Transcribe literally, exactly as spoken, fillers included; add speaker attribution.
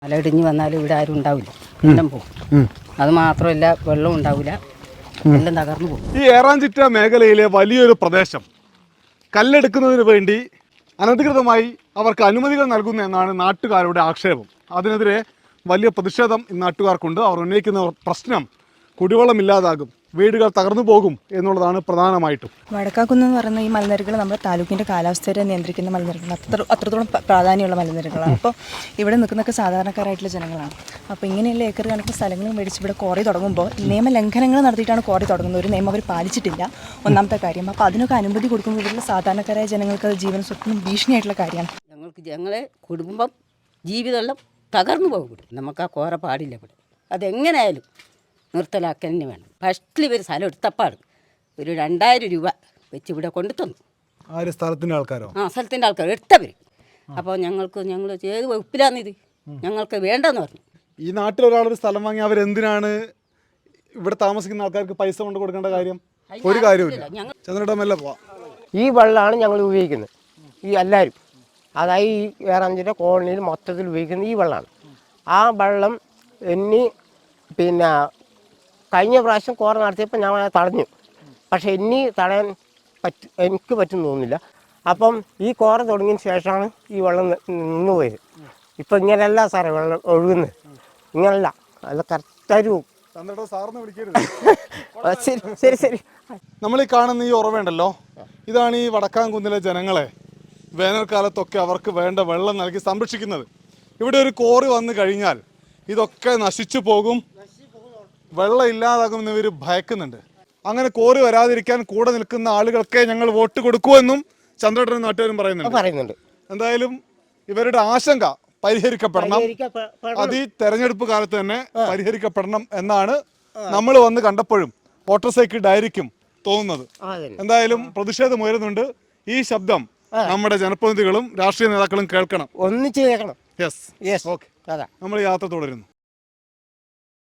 Speaker 1: മല ഇടിഞ്ഞ് വന്നാലും ഇവിടെ ആരും ഉണ്ടാവില്ല, എല്ലാം പോകും. അത് മാത്രമല്ല, വെള്ളം ഉണ്ടാവില്ല, എല്ലാം തകർന്നു പോകും.
Speaker 2: ഈ ഏറാഞ്ചിറ്റ മേഖലയിലെ വലിയൊരു പ്രദേശം കല്ലെടുക്കുന്നതിന് വേണ്ടി അനധികൃതമായി അവർക്ക് അനുമതികൾ നൽകുന്നു എന്നാണ് നാട്ടുകാരുടെ ആക്ഷേപം. അതിനെതിരെ വലിയ പ്രതിഷേധം നാട്ടുകാർക്കുണ്ട്. അവർ ഉന്നയിക്കുന്ന പ്രശ്നം കുടിവെള്ളമില്ലാതാകും, വീടുകൾ തകർന്നു പോകും എന്നുള്ളതാണ് പ്രധാനമായിട്ടും.
Speaker 3: വടക്കാക്കുന്ന് എന്ന് പറയുന്ന ഈ മലനിരകൾ നമ്മുടെ താലൂക്കിൻ്റെ കാലാവസ്ഥയെ നിയന്ത്രിക്കുന്ന മലനിരകൾ, അത്ര അത്രത്തോളം പ്രാധാന്യമുള്ള മലനിരകളാണ്. അപ്പോൾ ഇവിടെ നിൽക്കുന്നൊക്കെ സാധാരണക്കാരായിട്ടുള്ള ജനങ്ങളാണ്. അപ്പോൾ ഇങ്ങനെയുള്ള ഏക്കർ കണക്കിന് സ്ഥലങ്ങൾ മേടിച്ച് ഇവിടെ ക്വാറി തുടങ്ങുമ്പോൾ നിയമലംഘനങ്ങൾ നടത്തിയിട്ടാണ് ക്വാറി തുടങ്ങുന്നത്. ഒരു നിയമം അവർ പാലിച്ചിട്ടില്ല, ഒന്നാമത്തെ കാര്യം. അപ്പോൾ അതിനൊക്കെ അനുമതി കൊടുക്കുമ്പോൾ ഇവിടെയുള്ള സാധാരണക്കാരായ ജനങ്ങൾക്ക് അത് ജീവൻ സ്വത്തിനും ഭീഷണിയായിട്ടുള്ള കാര്യമാണ്.
Speaker 1: ഞങ്ങൾക്ക് ഞങ്ങളെ കുടുംബം ജീവിതമെല്ലാം തകർന്നു പോകും. നമുക്ക് ആ കോര പാടില്ല ഇവിടെ. അതെങ്ങനെയായാലും നിർത്തലാക്കാൻ തന്നെ വേണം. ഫസ്റ്റിൽ ഇവർ സ്ഥലം എടുത്തപ്പാട് ഒരു രണ്ടായിരം രൂപ വെച്ച് ഇവിടെ കൊണ്ടു തന്നു.
Speaker 2: ആ ഒരു സ്ഥലത്തിൻ്റെ ആൾക്കാരോ?
Speaker 1: ആ സ്ഥലത്തിൻ്റെ ആൾക്കാർ എടുത്തവർ. അപ്പോൾ ഞങ്ങൾക്ക് ഞങ്ങൾ ഏത് വകുപ്പിലാന്നിത്, ഞങ്ങൾക്ക് വേണ്ടെന്ന് പറഞ്ഞു.
Speaker 2: ഈ നാട്ടിൽ ഒരാളൊരു സ്ഥലം വാങ്ങി അവരെന്തിനാണ് ഇവിടെ താമസിക്കുന്ന ആൾക്കാർക്ക് പൈസ കൊണ്ട് കൊടുക്കേണ്ട കാര്യം? ഒരു കാര്യമില്ല. ചന്ദ്രടമല്ല പോവാം.
Speaker 4: ഈ വെള്ളമാണ് ഞങ്ങൾ ഉപയോഗിക്കുന്നത്, ഈ എല്ലാവരും. അതായത് ഈ ഏറാഞ്ചിൻ്റെ കോളനിയിൽ മൊത്തത്തിൽ ഉപയോഗിക്കുന്നത് ഈ വെള്ളമാണ്. ആ വെള്ളം ഇനി പിന്നെ കഴിഞ്ഞ പ്രാവശ്യം കോറ നടത്തിയപ്പോൾ ഞാൻ തടഞ്ഞു, പക്ഷേ ഇനി തടയാൻ പറ്റ എനിക്ക് പറ്റും തോന്നുന്നില്ല. അപ്പം ഈ കോറ തുടങ്ങിയതിന് ശേഷമാണ് ഈ വെള്ളം നിന്ന് പോയത്. ഇപ്പം ഇങ്ങനെയല്ല സാറേ വെള്ളം ഒഴുകുന്നത്, ഇങ്ങനല്ല, അല്ല കറക്റ്റായിട്ട് പോകും. ശരി ശരി ശരി
Speaker 2: നമ്മൾ ഈ കാണുന്ന ഈ ഉറവുണ്ടല്ലോ, ഇതാണ് ഈ വടക്കാംകുന്നിലെ ജനങ്ങളെ വേനൽക്കാലത്തൊക്കെ അവർക്ക് വേണ്ട വെള്ളം നൽകി സംരക്ഷിക്കുന്നത്. ഇവിടെ ഒരു കോറി വന്നു കഴിഞ്ഞാൽ ഇതൊക്കെ നശിച്ചു പോകും, വെള്ളം ഇല്ലാതാകുമെന്ന് ഇവർ ഭയക്കുന്നുണ്ട്. അങ്ങനെ കോറി വരാതിരിക്കാൻ കൂടെ നിൽക്കുന്ന ആളുകൾക്ക് ഞങ്ങൾ വോട്ട് കൊടുക്കുമെന്നും ചന്ദ്രേട്ടനും നാട്ടുകാരും പറയുന്നുണ്ട്
Speaker 4: പറയുന്നുണ്ട്
Speaker 2: എന്തായാലും ഇവരുടെ ആശങ്ക പരിഹരിക്കപ്പെടണം, അത് ഈ തെരഞ്ഞെടുപ്പ് കാലത്ത് തന്നെ പരിഹരിക്കപ്പെടണം എന്നാണ് നമ്മൾ വന്ന് കണ്ടപ്പോഴും വോട്ടർ സൈക്കിൾ ഡയറിക്കും തോന്നുന്നത്. എന്തായാലും പ്രതിഷേധം ഉയരുന്നുണ്ട്. ഈ ശബ്ദം നമ്മുടെ ജനപ്രതിനിധികളും രാഷ്ട്രീയ നേതാക്കളും കേൾക്കണം,
Speaker 4: ഒന്നിച്ച് കേൾക്കണം.
Speaker 2: Yes, okay. നമ്മൾ യാത്ര തുടരുന്നു.